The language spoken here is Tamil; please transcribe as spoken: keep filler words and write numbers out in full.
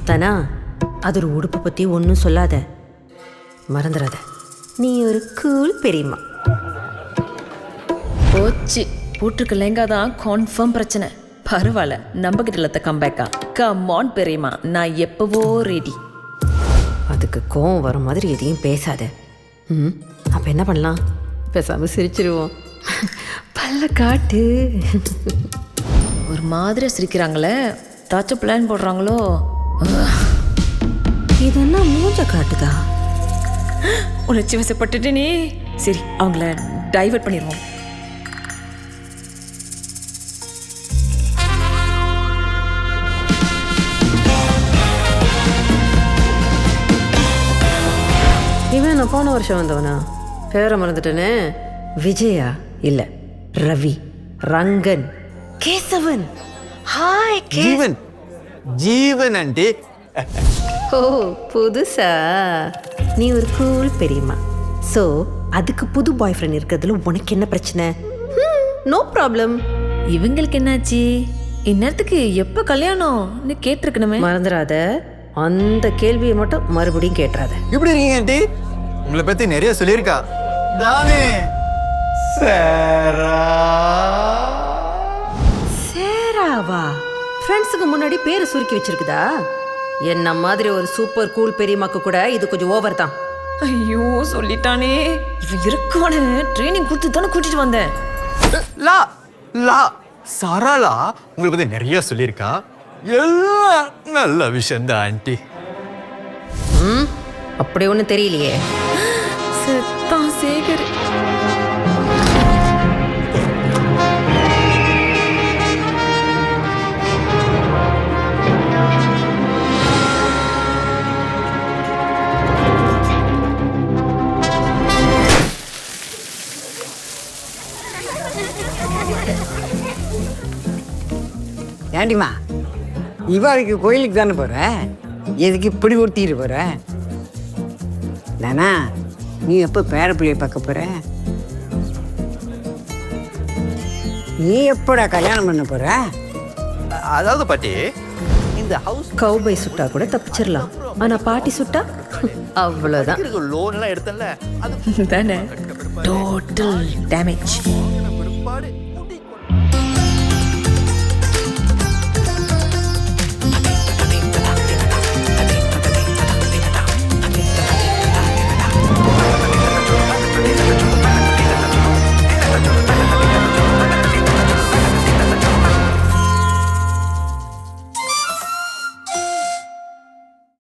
தனா அது ஒரு உடுப்பை பற்றி ஒன்றும் சொல்லாத, மறந்துடாத. நீ ஒரு கூல் பெரியம்மா. போச்சு, போட்டிருக்க லெங்கா தான் கன்ஃபார்ம் பிரச்சனை. பரவாயில்ல, நம்ம கிட்ட இல்லத்த கம்பேக்கா. கமான் பெரியம்மா, நான் எப்பவோ ரெடி. அதுக்கு கோவம் வர மாதிரி எதையும் பேசாத. ம் அப்போ என்ன பண்ணலாம்? பேசாமல் சிரிச்சிருவோம். பல்ல காட்டு. ஒரு மாதிரி சிரிக்கிறாங்களே, தாச்சும் பிளான் போடுறாங்களோ? இதெல்லாம் மூஞ்ச காட்டுதா? உணர்ச்சி வசப்பட்டுட்டேனே. சரி, அவங்கள டைவர்ட் பண்ணிடுவோம். இவன் நான் போன வருஷம் வந்தவனா? பேரை மறந்துட்டேனே. விஜயா இல்லை, ரவி, ரங்கன், கேசவன். ஹாய் ஜீவன். ஜீவன் ஆண்டி. ஓ புதுசா? நீ ஒரு கூல் பெரியம்மா. ஸோ அதுக்கு புது பாய் ஃப்ரெண்ட் இருக்கிறதுல உனக்கு என்ன பிரச்சனை? No problem. இவங்களுக்கு என்னாச்சு? இந்நேரத்துக்கு எப்போ கல்யாணம்னு கேட்டிருக்கணுமே. மறந்துடாத, அந்த கேள்வியை மட்டும் மறுபடியும் கேட்டுறாத. எப்படி இருக்கீங்க ஆண்டி? உங்களை பத்தி நிறைய சொல்லியிருக்கா. தானே சேரா. சேராவா? ஃப்ரெண்ட்ஸுக்கு முன்னாடி பேரை சுருக்கி வச்சிருக்குதா? என்ன மாதிரி ஒரு சூப்பர் கூல் பெரியம்மாக்கு கூட இது கொஞ்சம் ஓவர் தான். ஐயோ சொல்லிட்டானே. இவன் இருக்கானு ட்ரைனிங் கொடுத்து தானே கூட்டிட்டு வந்தேன். லா லா சாராலா உங்களை பத்தி நிறைய சொல்லியிருக்கா. எல்லாம் நல்ல விஷயம் தான் ஆண்டி. ம் அப்படி ஒன்றும் தெரியலையே. செத்தான் சேகர். ஏண்டிம்மா, இவாளுக்கு கோயிலுக்கு தானே போகிற? எதுக்கு இப்படி ஒருத்திட்டு போகிற? தானா, நீ எப்போ பேரப்பிள்ளையை பார்க்க போகிற? நீ எப்படா கல்யாணம் பண்ண போகிற? அதாவது பாட்டி, இந்த ஹவுஸ் கௌபை சுட்டா கூட தப்பிச்சிடலாம், ஆனா பாட்டி சுட்டா அவ்வளோதான். லோன் எல்லாம் எடுத்தல அது தானே டோட்டல் டேமேஜ்.